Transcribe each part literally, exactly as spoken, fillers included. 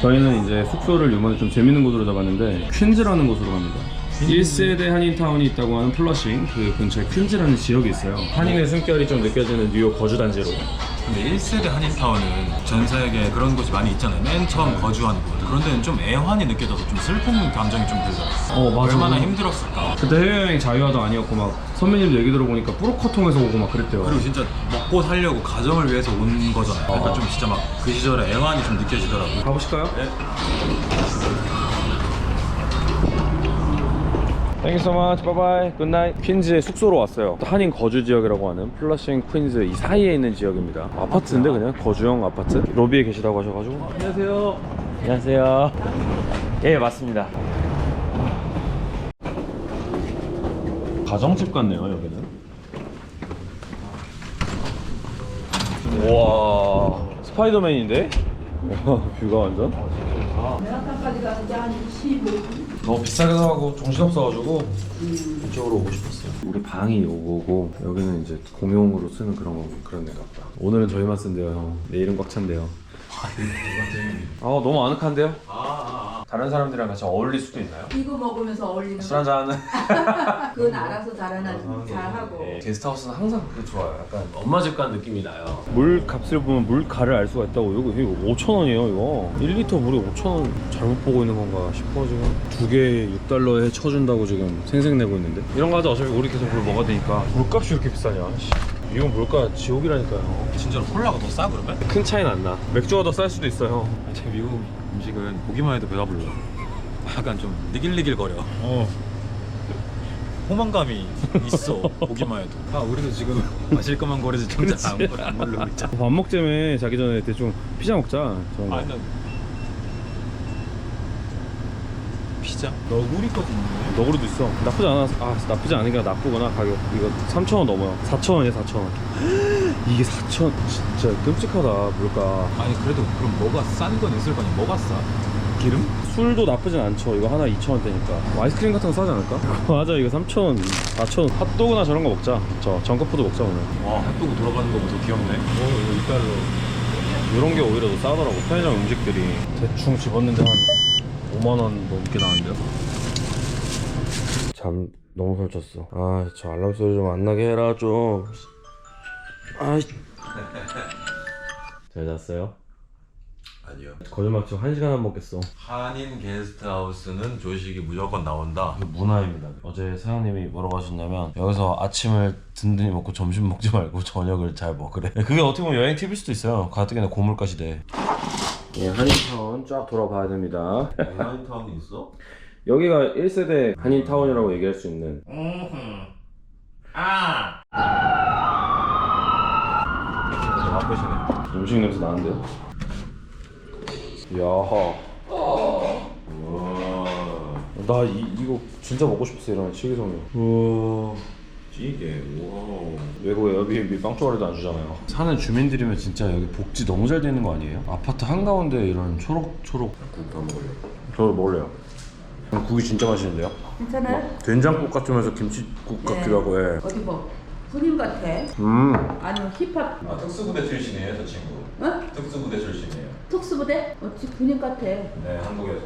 저희는 이제 숙소를 이번에 좀 재밌는 곳으로 잡았는데 퀸즈라는 곳으로 갑니다. 일 세대 한인타운이 있다고 하는 플러싱 그 근처에 퀸즈라는 지역이 있어요. 한인의 숨결이 좀 느껴지는 뉴욕 거주단지로. 근데 일 세대 한인타운은 전 세계에 그런 곳이 많이 있잖아요. 맨 처음 네. 거주한 곳. 그런 데는 좀 애환이 느껴져서 좀 슬픈 감정이 좀 들더라고요. 어 맞아. 얼마나 힘들었을까. 그때 해외여행 자유화도 아니었고 막 선배님 얘기 들어보니까 뿌로커통에서 오고 막 그랬대요. 그리고 진짜 먹고 살려고 가정을 위해서 온 거잖아요. 그러니까 좀 진짜 막 그 시절에 애환이 좀 느껴지더라고요. 가보실까요? 네. Thank you so much. Bye bye. Good night. 퀸즈의 숙소로 왔어요. 한인 거주 지역이라고 하는 플러싱 퀸즈 이 사이에 있는 지역입니다. 아파트인데 그냥 거주형 아파트. 로비에 계시다고 하셔가지고. 안녕하세요. 안녕하세요. 예, 맞습니다. 가정집 같네요 여기는. 우와 스파이더맨인데? 와 뷰가 완전. 메가탄까지 가는데 한 이십오 분? 너무 비싸게 사고 정신없어가지고 이쪽으로 오고 싶었어요. 우리 방이 요거고 여기는 이제 공용으로 쓰는 그런 거 그런 데가 보다. 오늘은 저희만 쓴대요 형. 내일은 꽉 찬대요. 아 너무 아늑한데요? 다른 사람들이랑 같이 어울릴 수도 있나요? 이거 먹으면서 어울리는 술 한잔. 그건 알아서 잘하나 잘하고. 네, 게스트하우스는 항상 그게 좋아요. 약간 엄마 집 간 느낌이 나요. 물 값을 보면 물가를 알 수가 있다고. 이거, 이거 오천 원이에요 이거. 일 리터 물에 오천 원 잘못 보고 있는 건가 싶어 지금. 두 개에 육 달러에 쳐준다고 지금 생색내고 있는데. 이런 거 하자. 어차피 우리 계속 물 먹어야 되니까. 물값이 이렇게 비싸냐. 이건 물가 지옥이라니까요. 진짜로 콜라가 더 싸 그러면? 큰 차이는 안 나. 맥주가 더 쌀 수도 있어요. 제 미국 음식은 보기만 해도 배가 불러. 약간 좀 니길니길거려. 어. 호망감이 있어. 보기만 해도. 아 우리도 지금 마실 것만 고르지 정작 아무것도 안 고르고 있잖아. 밥 먹자며 자기 전에 대충 피자 먹자. 저런 거. 아니 난 피자? 너구리 것도 있네. 너구리도 있어. 나쁘지 않아. 아 나쁘지 않으니까 나쁘구나. 가격 이거 삼천 원 넘어요. 사천 원이야 사천 원. 이게 사천 진짜 끔찍하다 물가. 아니 그래도 그럼 뭐가 싼 건 있을 거 아니야? 뭐가 싸? 기름? 술도 나쁘진 않죠. 이거 하나 이천 원대니까. 뭐 아이스크림 같은 거 싸지 않을까? 맞아 이거 삼천 원, 사천 원. 핫도그나 저런 거 먹자. 저 정크푸드 먹자 오늘. 와 핫도그 돌아가는 거 보고 귀엽네. 오 이거 이 달러. 이런 게 오히려 더 싸더라고. 편의점 음식들이 대충 집었는데 한 오만 원 넘게 나왔는데요. 잠 너무 설쳤어. 아 저 알람 소리 좀 안 나게 해라 좀. 아이. 잘 잤어요? 아니요. 거짓말 치고 한 시간 안 먹겠어. 한인 게스트하우스는 조식이 무조건 나온다. 문화입니다. 어제 사장님이 뭐라고 하셨냐면 여기서 아침을 든든히 먹고 점심 먹지 말고 저녁을 잘 먹으래. 그게 어떻게 보면 여행 팁일 수도 있어요. 가뜩이나 고물가 시대. 예, 한인타운 쫙 돌아봐야 됩니다. 한인타운이 있어? 여기가 일 세대 한인타운이라고 얘기할 수 있는. 아. 바쁘시네. 음식 냄새 나는데요? 야하. 나 이, 이거 진짜 먹고 싶었어. 이런 치기송이. 우와 찌개. 와. 외국 에어비앤비 빵조각에도 안 주잖아요. 사는 주민들이면 진짜 여기 복지 너무 잘 되는 거 아니에요? 아파트 한가운데 이런 초록초록. 국더 먹을래. 저 먹을래요. 국이 진짜 맛있는데요? 괜찮아요? 막 된장국 같으면서 김치국 네. 같기도 하고. 예. 어디 뭐 군인 같아? 음. 아니면 힙합? 아 특수부대 출신이에요 저 친구. 어? 특수부대 출신이에요. 특수부대? 어찌 군인 같아? 네 한국에서.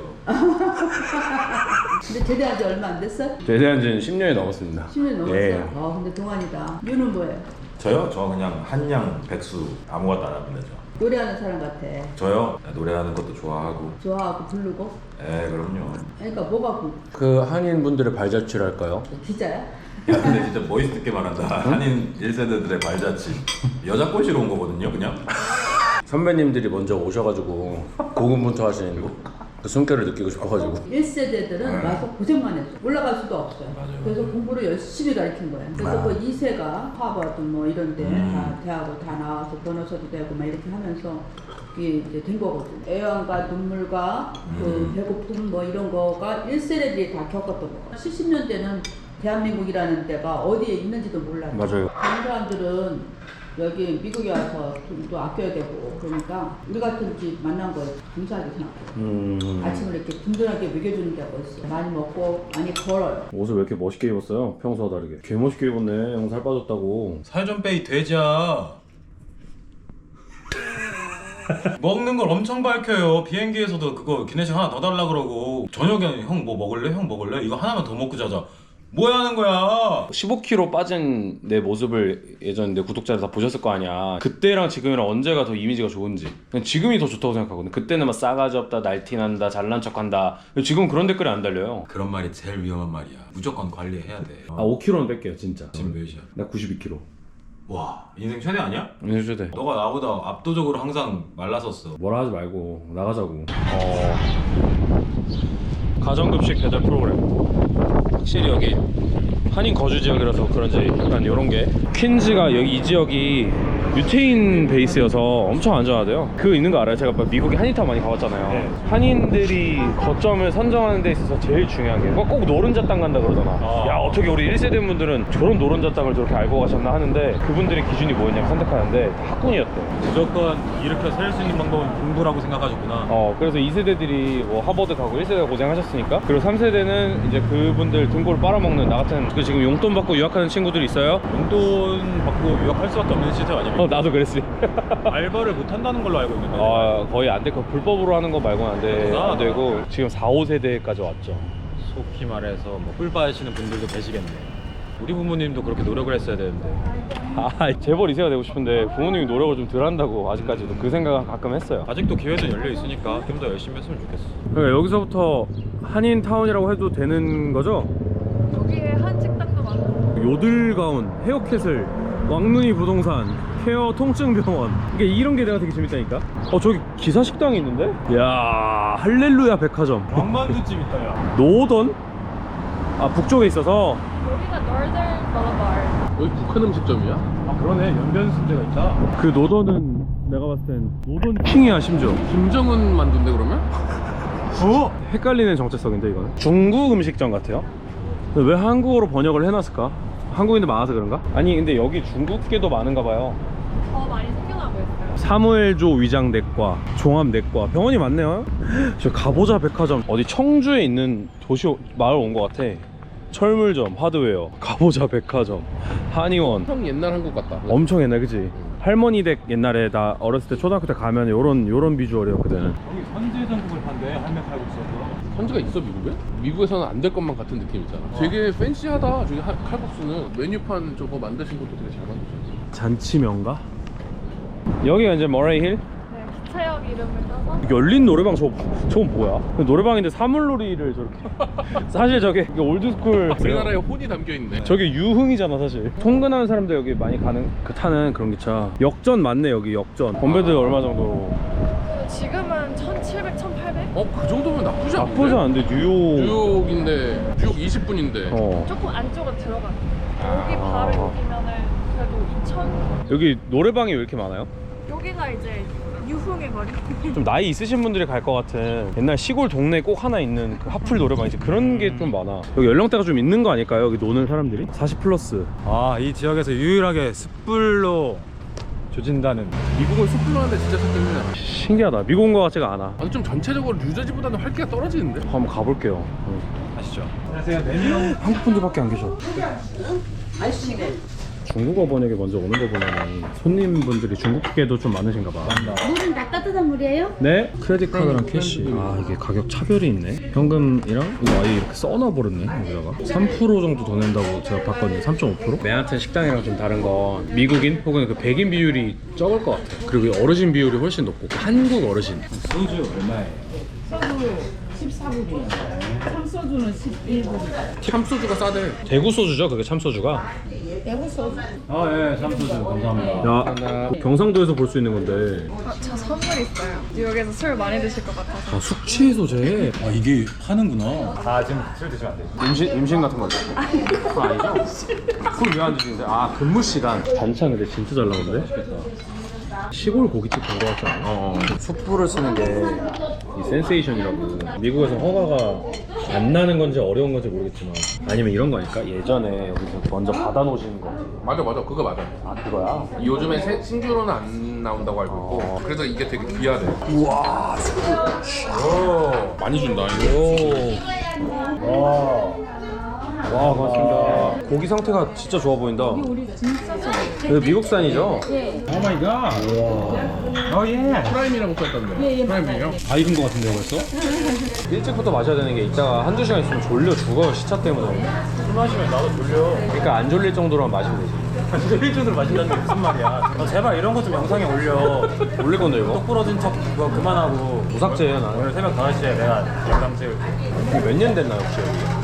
근데 제대한 지 얼마 안 됐어? 제대한 지는 십 년이 넘었습니다. 십 년 넘었어? 예. 아 근데 동안이다. 유는 뭐예요? 저요? 저 그냥 한양 백수 아무것도 안 합니다 저. 노래하는 사람 같아. 저요? 노래하는 것도 좋아하고. 좋아하고 부르고? 에 그럼요. 그러니까 뭐가 구? 그 한인분들의 발자취랄까요? 기자야? 야 근데 진짜 멋있게 말한다. 한인 일 세대들의 발자취. 여자 꼬시러 온 거거든요 그냥. 선배님들이 먼저 오셔가지고 고군분투하시는 그 숨결을 느끼고 싶어가지고. 일 세대들은 와서 고생만 했어. 올라갈 수도 없어요. 맞아요. 그래서 공부를 열심히 가르친 거예요. 그래서 아. 그 이 세가 하버드 뭐 이런 데 음. 다 대학을 다 나와서 변호사도 되고 막 이렇게 하면서 이게 이제 된 거거든. 애완과 눈물과 그 음. 배고픔 뭐 이런 거가 일 세대들이 다 겪었던 거. 칠십 년대는 대한민국이라는 데가 어디에 있는지도 몰라요. 맞아요. 다른 사람들은 여기 미국에 와서 좀 또 아껴야 되고 그러니까 우리 같은 집 만난 거에 감사하게 생각해요. 음. 아침을 이렇게 든든하게 먹여주는 데가 있어요. 많이 먹고 많이 걸어요. 옷을 왜 이렇게 멋있게 입었어요? 평소와 다르게. 개 멋있게 입었네. 형 살 빠졌다고. 살 좀 빼이 돼지야. 먹는 걸 엄청 밝혀요. 비행기에서도 그거 기내식 하나 더 달라 그러고 저녁에 형 뭐 먹을래? 형 먹을래? 이거 하나만 더 먹고 자자. 뭐야 하는 거야? 십오 킬로그램 빠진 내 모습을 예전 내 구독자들 다 보셨을 거 아니야. 그때랑 지금이랑 언제가 더 이미지가 좋은지. 그냥 지금이 더 좋다고 생각하거든. 그때는 막 싸가지 없다, 날티난다, 잘난 척한다. 지금 그런 댓글이 안 달려요. 그런 말이 제일 위험한 말이야. 무조건 관리해야 돼. 아 오 킬로그램는 뺄게요 진짜. 지금 몇이야? 나 구십이 킬로그램. 와 인생 최대 아니야? 인생 최대. 너가 나보다 압도적으로 항상 말랐었어. 뭐라 하지 말고 나가자고. 어... 가정급식 배달 프로그램. 확실히 여기 한인 거주 지역이라서 그런지 약간 요런 게 퀸즈가 여기 이 지역이 유태인 베이스여서 엄청 안전하대요. 그거 있는 거 알아요? 제가 미국에 한인타운 많이 가봤잖아요. 네. 한인들이 거점을 선정하는 데 있어서 제일 중요한 게 꼭 노른자 땅 간다 그러잖아. 아. 야 어떻게 우리 일 세대 분들은 저런 노른자 땅을 저렇게 알고 가셨나 하는데 그분들의 기준이 뭐였냐면 선택하는데 다 학군이었대. 무조건 일으켜 세울 수 있는 방법은 공부라고 생각하셨구나. 어 그래서 이 세대들이 뭐 하버드 가고 일 세대가 고생하셨으니까 그리고 삼 세대는 이제 그분들 등골 빨아먹는 나 같은 그 지금 용돈 받고 유학하는 친구들이 있어요? 용돈 받고 유학할 수밖에 없는 시스템 아닙니까? 어 나도 그랬지. 알바를 못 한다는 걸로 알고 있는데. 아 거의 안 되고 불법으로 하는 거 말고는 안, 돼, 아. 안 되고 지금 사, 오 세대까지 왔죠. 속히 말해서 뭐 꿀 하시는 분들도 계시겠네. 우리 부모님도 그렇게 노력을 했어야 되는데. 아 재벌 이 세가 되고 싶은데 부모님이 노력을 좀 덜 한다고 아직까지도 그 생각은 가끔 했어요. 아직도 기회는 열려 있으니까 좀 더 열심히 했으면 좋겠어. 그러니까 여기서부터 한인타운이라고 해도 되는 거죠? 여기에 한 식당도 많아요. 요들가운, 헤어캐슬, 왕눈이 부동산, 케어 통증병원. 이게 이런 게 내가 되게 재밌다니까. 어 저기 기사 식당이 있는데? 야 할렐루야 백화점. 왕만두집 있다 야. 노던? 아 북쪽에 있어서. 여기가 Northern Boulevard. 여기 북한 음식점이야? 아 그러네 연변 순대가 있다. 그 노던은 내가 봤을 땐 노던 킹이야 심지어. 김정은 만두인데 그러면? 어? 헷갈리는 정체성인데 이거는. 중국 음식점 같아요. 근데 왜 한국어로 번역을 해놨을까? 한국인들 많아서 그런가? 아니 근데 여기 중국계도 많은가 봐요. 더 많이 생겨나고 있어요. 사무엘조 위장내과, 종합내과 병원이 많네요. 저 가보자 백화점 어디 청주에 있는 도시 마을 온 것 같아. 철물점, 하드웨어, 가보자 백화점, 한의원. 형 옛날 한국 같다. 엄청 옛날 그치? 할머니 댁 옛날에 나 어렸을 때 초등학교 때 가면 요런 요런 비주얼이었 그때는. 여기 선제 전국을 판대 할매 살고 있어서. 선지가 있어 미국에? 미국에서는 안 될 것만 같은 느낌 있잖아. 되게 팬시하다. 저기 하- 칼국수는 메뉴판 저거 만드신 것도 되게 잘 만드셨어. 잔치명가? 여기가 이제 머레이 힐? 네, 기차역 이름을 따서 열린 노래방 저거 저건 뭐야? 노래방인데 사물놀이를 저렇게. 사실 저게 이게 올드스쿨 우리나라에 혼이 담겨 있네. 저게 유흥이잖아 사실. 통근하는 사람들 여기 많이 가는 그 타는 그런 기차. 역전 맞네 여기 역전. 건배들 얼마 정도? 지금은 천칠백, 천팔백? 어, 그 정도면 나쁘지 않은데? 나쁘지 않은데 뉴욕. 뉴욕인데 뉴욕 이십 분인데. 어. 조금 안쪽으로 들어가요. 여기 바로 여기면은 그래도 이천. 여기 노래방이 왜 이렇게 많아요? 여기가 이제 유흥의 거리. 좀 나이 있으신 분들이 갈 것 같은 옛날 시골 동네에 꼭 하나 있는 그 하플 노래방이지 그런 게 좀 많아. 여기 연령대가 좀 있는 거 아닐까요? 여기 노는 사람들이? 사십 플러스. 아이 지역에서 유일하게 숯불로 조진다는. 미국은 숯불로 하는데 진짜 찾기 힘드네. 신기하다. 미국 온 거 같지가 않아. 아니 좀 전체적으로 뉴저지보다는 활기가 떨어지는데? 한번 가볼게요. 응. 아시죠? 안녕하세요. 메뉴. 한국 분들밖에 안 계셔. 중국어 번역이 먼저 오는 거 보면 손님분들이 중국계도 좀 많으신가 봐. 물은 다 따뜻한 물이에요? 네? 크레딧 카드랑 캐시. 아 이게 가격 차별이 있네. 현금이랑 이거 아예 이렇게 써놔 버렸네 여기다가. 삼 퍼센트 정도 더 낸다고 제가 봤거든요. 삼 점 오 퍼센트? 맨하튼 식당이랑 좀 다른 건 미국인 혹은 그 백인 비율이 적을 것 같아. 그리고 어르신 비율이 훨씬 높고 한국 어르신. 소주 얼마예요? 십사 불이에요. 참소주는 십일 불. 참소주가 싸대. 대구 소주죠 그게 참소주가. 대구 소주. 아예 참소주 감사합니다. 야 경상도에서 볼 수 있는 건데. 아, 저 선물 있어요. 뉴욕에서 술 많이 드실 것 같아서. 아 숙취 소재. 아 이게 파는구나. 아 지금 술 드시면 안 돼요. 임신 임신 같은 거죠? 그거 아니죠? 그럼 왜 안 드시는데? 아 근무 시간. 반찬 근데 진짜 잘 나오는데? 시골 고깃집 간 거 같지 않아? 어. 숯불을 쓰는 게 이 센세이션이라고. 미국에서 허가가 안 나는 건지 어려운 건지 모르겠지만 아니면 이런 거 아닐까? 예전에 여기서 먼저 받아 놓으시는 건지. 맞아 맞아 그거 맞아. 아 그거야? 요즘에 새- 신규로는 안 나온다고 알고 있고 그래서 이게 되게 귀하대. 우와. 오, 많이 준다 이거. 오. 와. 와 고맙습니다. 고기 상태가 진짜 좋아 보인다. 우리 진짜 좋아. 이거 미국산이죠? 예. 오 마이 갓. 와. 오예. 프라임이라고 써있던데. 예, 예, 프라임이에요? 다 익은 거 같은데요 벌써? 일찍부터 마셔야 되는 게 이따가 한두 시간 있으면 졸려 죽어요 시차 때문에. 술 마시면 나도 졸려. 그러니까 안 졸릴 정도로만 마시면 되지. 졸릴 정도로 마신다는 게 무슨 말이야. 너 제발 이런 거 좀 영상에 올려. 올릴 건데 이거? 똑 부러진 척 그거 그만하고. 무삭제예요 나는. 오늘 새벽 다섯 시에 내가 영상 찍을게. 이게 몇 년 됐나요 혹시 여기?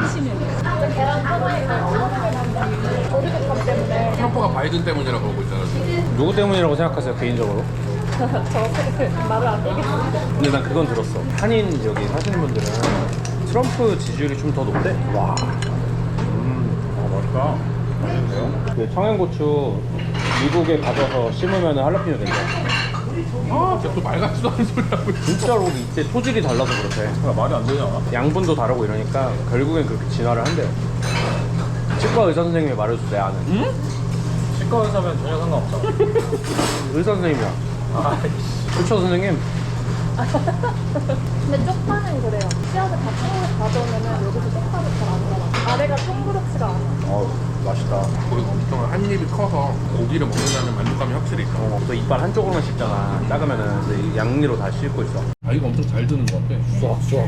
트럼프가 바이든 때문이라고 그러고 있잖아. 누구 때문이라고 생각하세요 개인적으로? 저 말을 안 되겠습니다. 근데 난 그건 들었어. 한인 여기 사시는 분들은 트럼프 지지율이 좀 더 높대. 와. 아 맛있다. 맛있는데요? 그 청양고추 미국에 가져서 심으면 할라피뇨 된다. 아, 진짜 또 말 같지도 않은 소리 하고 있어. 진짜로 이때 토질이 달라서 그렇대. 그러니까 말이 안 되잖아. 양분도 다르고 이러니까 결국엔 그렇게 진화를 한대요. 치과 의사 선생님이 말해줬어 내 아는. 응? 치과 의사면 전혀 상관없잖아. 의사 선생님이야. 아이씨. 그쵸 선생님? 근데 쪽파는 그래요. 씨앗을 다 통으로 가져오면은 여기서 쪽파를 잘 안 나와. 아래가 통그랗지가 않아. 어우 맛있다. 그리고 엄청 한 입이 커서 고기를 먹는다는 만족감이 확실히 있어. 어, 또 이빨 한쪽으로만 씹잖아. 작으면은 근데 양니로 다 씹고 있어. 가위가 엄청 잘 드는 것 같아. 쏙 쏙.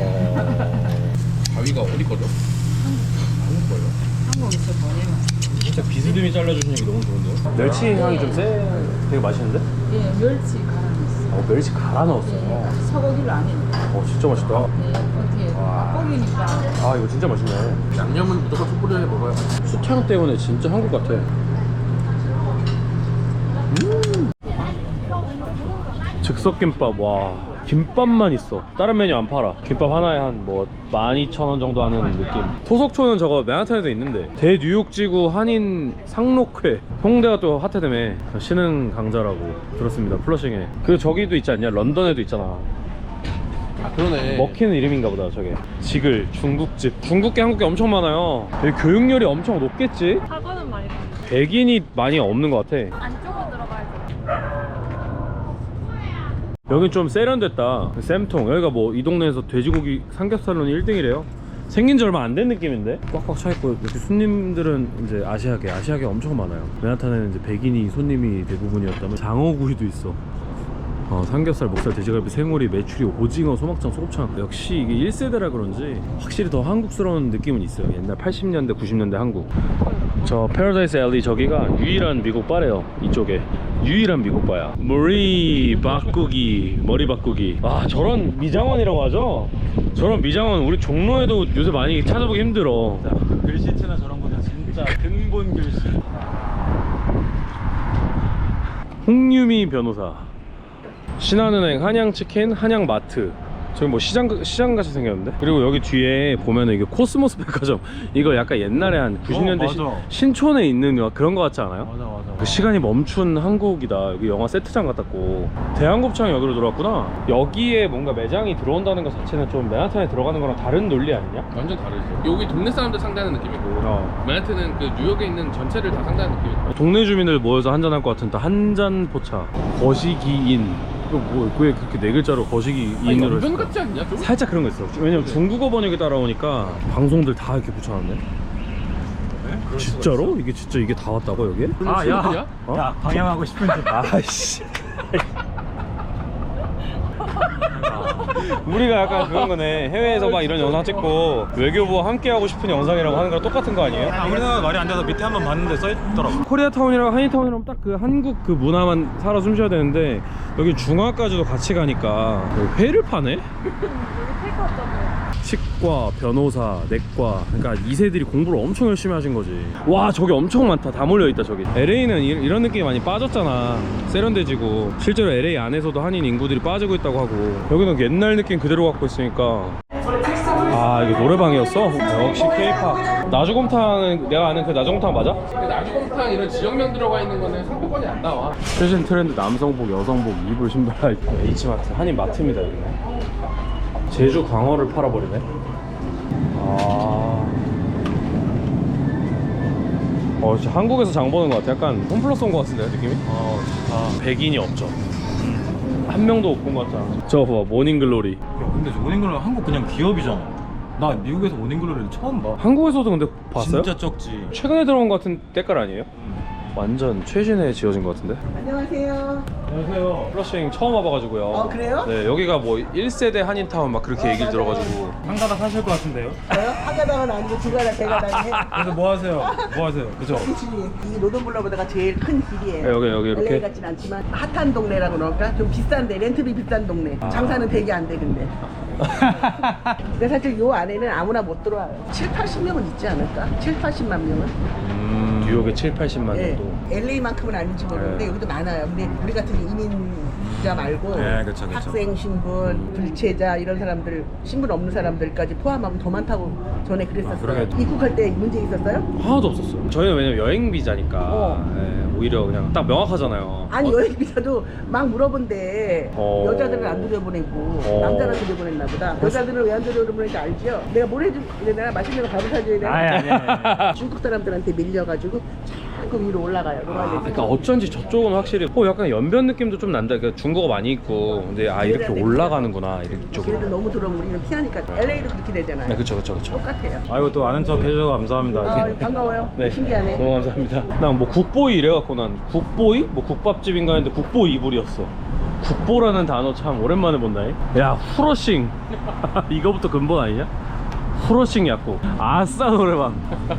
가위가 어디 거죠? 한국 거예요. 한국에서 보내면. 진짜 비스듬히 잘라주시는 게 너무 좋은데요? 멸치 향이 좀 세. 되게 맛있는데? 예, 멸치 갈아 넣었어요. 어, 멸치 갈아 넣었어요. 소고기를 안 했네. 어, 진짜 맛있다. 네, 어떻게 와. 닭고기니까. 아, 이거 진짜 맛있네. 양념은 무조건 숯불에 먹어요. 수향 때문에 진짜 한국 같아. 음. 즉석김밥, 와. 김밥만 있어. 다른 메뉴 안 팔아. 김밥 하나에 한 뭐 만 이천 원 정도 하는 느낌. 토속초는 저거 맨하탄에도 있는데 대뉴욕지구 한인 상록회. 홍대가 또 핫해대매. 신흥 강자라고 들었습니다. 플러싱에. 그리고 저기도 있지 않냐? 런던에도 있잖아. 아, 그러네. 먹히는 이름인가 보다 저게. 지글 중국집. 중국계 한국계 엄청 많아요. 여기 교육열이 엄청 높겠지? 사과는 많이 나. 백인이 많이 없는 것 같아. 안쪽으로 들어가야 돼. 여긴 좀 세련됐다. 쌤통. 여기가 뭐 이 동네에서 돼지고기 삼겹살로는 일 등이래요. 생긴 지 얼마 안 된 느낌인데? 꽉꽉 차있고 여기 손님들은 이제 아시아계 아시아계 엄청 많아요. 맨하탄에는 이제 백인이 손님이 대부분이었다면 장어구이도 있어. 어, 삼겹살, 목살, 돼지갈비, 생오리, 메추리, 오징어, 소막창, 소곱창. 역시 이게 일 세대라 그런지 확실히 더 한국스러운 느낌은 있어요. 옛날 팔십 년대, 구십 년대 한국. 저 패러다이스 앨리 저기가 유일한 미국 바래요. 이쪽에 유일한 미국 바야. 머리 바꾸기, 머리 바꾸기. 아, 저런 미장원이라고 하죠? 저런 미장원 우리 종로에도 요새 많이 찾아보기 힘들어. 글씨체나 저런 거는 진짜 근본 글씨. 홍유미 변호사. 신한은행, 한양치킨, 한양마트. 저기 뭐 시장, 시장같이 생겼는데? 그리고 여기 뒤에 보면은 이게 코스모스 백화점. 이거 약간 옛날에 한 구십 년대 어, 시, 맞아. 신촌에 있는 그런 거 같지 않아요? 맞아 맞아. 그 시간이 멈춘 한국이다. 여기 영화 세트장 같았고. 대한곱창이 여기로 들어왔구나. 여기에 뭔가 매장이 들어온다는 것 자체는 좀 맨하탄에 들어가는 거랑 다른 논리 아니냐? 완전 다르죠. 여기 동네 사람들 상대하는 느낌이고 어. 맨하튼은 그 뉴욕에 있는 전체를 다 상대하는 느낌이에요. 동네 주민들 모여서 한잔할 것 같은 한잔 포차. 거시기인. 이거 뭐, 왜 그렇게 네 글자로 거시기인으로 연변 했을까? 같지 않냐 좀? 살짝 그런 거 있어. 왜냐면 중국어 번역이 따라오니까 방송들 다 이렇게 붙여놨네. 진짜로? 이게 진짜 이게 다 왔다고 여기에? 아, 야. 어? 야, 방향하고 싶은지. 아이씨. 우리가 약간 그런 거네. 해외에서 막 이런 영상 찍고 외교부와 함께 하고 싶은 영상이라고 하는 거랑 똑같은 거 아니에요? 아, 우리나라 말이 안 돼서 밑에 한번 봤는데 써있더라고. 코리아타운이랑 한인타운이랑 딱 그 한국 그 문화만 살아 숨쉬어야 되는데 여기 중화까지도 같이 가니까 회를 파네? 여기 테이크아웃잖아요. 치과, 변호사, 내과. 그러니까 이 세들이 공부를 엄청 열심히 하신 거지. 와, 저기 엄청 많다. 다 몰려있다 저기. 엘에이는 이, 이런 느낌이 많이 빠졌잖아. 세련돼지고. 실제로 엘에이 안에서도 한인 인구들이 빠지고 있다고 하고. 여기는 옛날 느낌 그대로 갖고 있으니까. 아, 이게 노래방이었어? 역시 K-팝. 나주곰탕은 내가 아는 그 나주곰탕 맞아? 근데 나주곰탕 이런 지역명 들어가 있는 거는 상품권이 안 나와. 최신 트렌드 남성복, 여성복, 이불, 신발. H마트, 한인 마트입니다 여기는. 제주 광어를 팔아버리네. 아. 어, 진짜 한국에서 장 보는 것 같아. 약간 홈플러스 온 것 같은데 느낌이? 어, 좋다. 백인이 없죠. 한 명도 못 본 것 같잖아. 저거 봐봐, 모닝글로리. 야, 근데 모닝글은 한국 그냥 기업이잖아. 나 미국에서 모닝글로리를 처음 봐. 한국에서도 근데 봤어요? 진짜 적지. 최근에 들어온 것 같은 때깔 아니에요? 완전 최신에 지어진 것 같은데? 안녕하세요. 안녕하세요. 플러싱 처음 와봐가지고요. 어, 그래요? 네, 여기가 뭐 일 세대 한인타운 막 그렇게 얘기를 들어가지고. 한 가닥 하실 것 같은데요? 저요? 한 가닥은 아니고 두 가닥, 세 가닥에. 그래서 뭐 하세요? 뭐 하세요? 그죠? 이 노동블럭보다가 제일 큰 길이에요. 네, 여기, 여기 이렇게? 엘에이 같진 않지만 핫한 동네라고 그럴까? 좀 비싼데 렌트비 비싼 동네. 장사는 되게 안 돼 근데. 근데 사실 요 안에는 아무나 못 들어와요. 칠, 팔십 명은 있지 않을까? 칠, 팔십만 명은? 음, 뉴욕에 칠, 팔십만 예. 정도. 엘에이만큼은 아닌지 모르는데 네. 여기도 많아요. 근데 우리 같은 이민자 말고 네, 그쵸, 그쵸. 학생 신분, 불체자 이런 사람들, 신분 없는 사람들까지 포함하면 더 많다고 전에 그랬었어요. 그러게. 입국할 때 문제 있었어요? 하나도 없었어요. 저희는 왜냐면 여행 비자니까 어. 예, 오히려 그냥 딱 명확하잖아요. 아니 어, 여행 비자도 막 물어본데 어. 여자들은 안 들여보내고 어. 남자는 들여보냈나 보다. 여자들은 왜 안 들여보내는지 알죠? 내가 뭘 해줄 내가 맛있는 거 밥을 사줘야 되나? 아니, 아니, 아니. 중국 사람들한테 밀려가지고 자꾸 위로 올라가요. 아, 그러니까 어쩐지 저쪽은 확실히 어 약간 연변 느낌도 좀 난다. 그러니까 중국어 많이 있고 근데 아 이렇게 올라가는구나 이쪽으로. 걔네들 너무 들어오면 우리는 피하니까 엘에이도 그렇게 되잖아요. 네, 그쵸, 그쵸, 그쵸. 똑같아요. 아이고 또 아는 척 해주셔서 감사합니다. 아, 반가워요. 신기하네. 너무 감사합니다. 난 뭐 국보이 이래갖고 난 국보이? 뭐 국밥집인가 했는데 국보 이불이었어. 국보라는 단어 참 오랜만에 본다잉. 야 후러싱 이거부터 근본 아니냐? 후러싱 약국 아싸 노래방.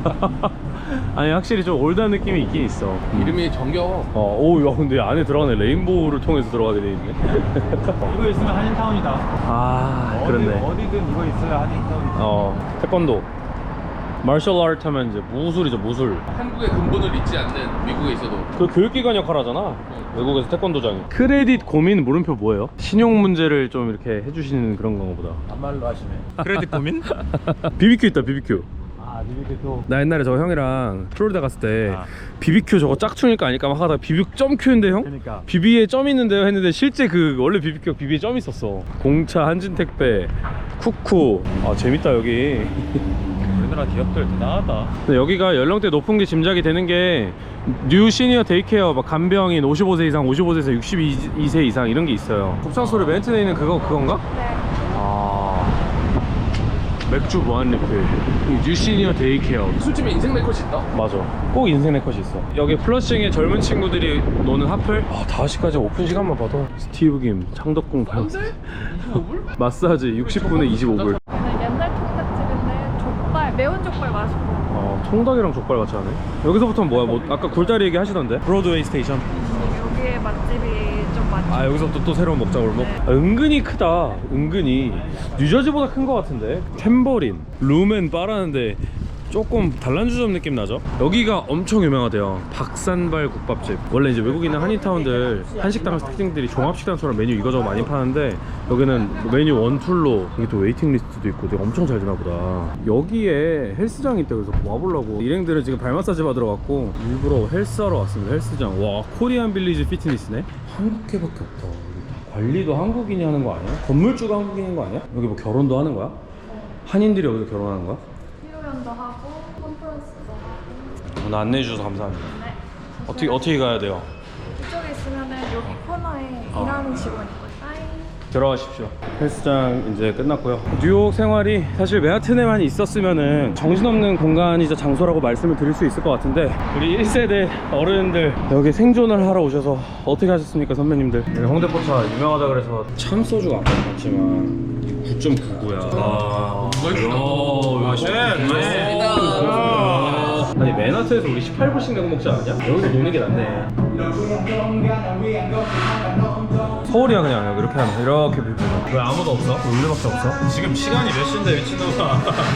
아니 확실히 좀 올드한 느낌이 있긴 있어. 이름이 정겨워. 어, 오, 야, 근데 안에 들어가네. 레인보우를 통해서 들어가게 돼 있네. 이거 있으면 한인타운이다. 아, 그렇네. 어디든 이거 있어야 한인타운이다. 어, 태권도. 마셜 아트 하면 이제 무술이죠, 무술. 한국의 근본을 잊지 않는 미국에 있어도. 그 교육기관 역할 하잖아. 외국에서 태권도장이. 크레딧 고민 물음표 뭐예요? 신용 문제를 좀 이렇게 해주시는 그런 건가 보다. 반말로 하시네. 크레딧 고민? 비비큐 있다, 비비큐. 아, 니비게 또. 나 옛날에 저 형이랑 플로리다 갔을 때 아. 비비큐 저거 짝퉁일까 아닐까 막 하다가 비비 점 큐인데 형? 그러니까. 비비에 점 있는데요 했는데 실제 그 원래 비비큐가 비비에 점 있었어. 공차, 한진택배, 쿠쿠. 아 재밌다 여기. 우리나라 기업들 대단하다. 근데 여기가 연령대 높은 게 짐작이 되는 게 뉴 시니어 데이케어 막 간병인 오십오 세 이상, 오십오 세에서 육십이 세 이상 이런 게 있어요. 곱창소리 맨튼에 있는 그거 그건가? 네. 아 맥주 무한 리필 뉴 시니어 데이케어. 술집에 인생 네컷이 있다. 맞아. 꼭 인생 네컷이 있어. 여기 플러싱에 젊은 친구들이 노는 하플? 아, 다섯 시까지 오픈 시간만 봐도 스티브 김, 창덕궁 발 마사지 육십 분에 이십오 불. 저는 옛날 통닭집인데 족발, 매운 족발 맛있고. 어, 통닭이랑 족발 같이 하네. 여기서부터는 뭐야? 뭐 아까 굴다리 얘기 하시던데? 브로드웨이 스테이션. 여기에 맛집이 좀 많죠. 아, 여기서부터 또 새로운 먹자 골목. 네. 아, 은근히 크다. 은근히 뉴저지보다 큰 것 같은데. 템버린, 룸앤 바라는데 조금 단란주점 느낌 나죠? 여기가 엄청 유명하대요. 박산발 국밥집. 원래 이제 외국에 있는 한인타운들 한식당 특징들이 종합식당처럼 메뉴 이거저거 많이 파는데 여기는 메뉴 원툴로 이게 또 웨이팅 리스트도 있고 되게 엄청 잘 되나 보다. 여기에 헬스장이 있다 그래서 와보려고. 일행들은 지금 발 마사지 받으러 왔고 일부러 헬스하러 왔습니다. 헬스장. 와, 코리안 빌리지 피트니스네. 한국계밖에 없다. 관리도 한국인이 하는 거 아니야? 건물주가 한국인인 거 아니야? 여기 뭐 결혼도 하는 거야? 한인들이 여기서 결혼하는 거야? 피로연도 하고 컨퍼런스도 하고. 오늘 안내해 주셔서 감사합니다. 네. 어떻게 어떻게 가야 돼요? 이쪽에 있으면은 여기 코너에 어. 일하는 직원이 있거든요. 빠이. 들어가십시오. 헬스장 이제 끝났고요. 뉴욕 생활이 사실 맨하튼에만 있었으면은 정신없는 공간이자 장소라고 말씀을 드릴 수 있을 것 같은데 우리 일 세대 어른들 여기 생존을 하러 오셔서 어떻게 하셨습니까 선배님들? 여기 홍대포차 유명하다 그래서 참소주가 아까 봤지만 구 점 구구야. 아, 이야, 네, 아니 맨하튼에서 우리 십팔 불씩 내고 먹지 않았냐? 여기서 노는 게 낫네. 서울이야 그냥 이렇게 하면 이렇게 빌리면. 왜 아무도 없어? 우리밖에 없어? 지금 시간이 몇 시인데 미친놈아.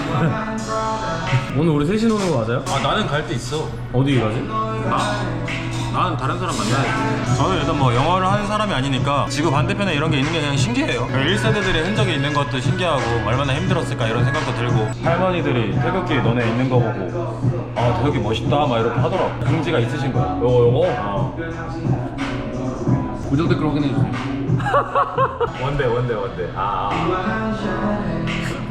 오늘 우리 셋이 노는 거 맞아요? 아, 나는 갈 데 있어. 어디 가지? 나는 다른 사람 만나야지. 저는 일단 뭐 영어를 하는 사람이 아니니까 지구 반대편에 이런 게 있는 게 그냥 신기해요. 일 세대들의 흔적이 있는 것도 신기하고 얼마나 힘들었을까 이런 생각도 들고. 할머니들이 태극기 너네 있는 거 보고 아 태극기 멋있다 막 이렇게 하더라고. 긍지가 있으신 거야. 요거 요거? 어. 고정 댓글 확인해 주세요. 원대 원대 원대. 아.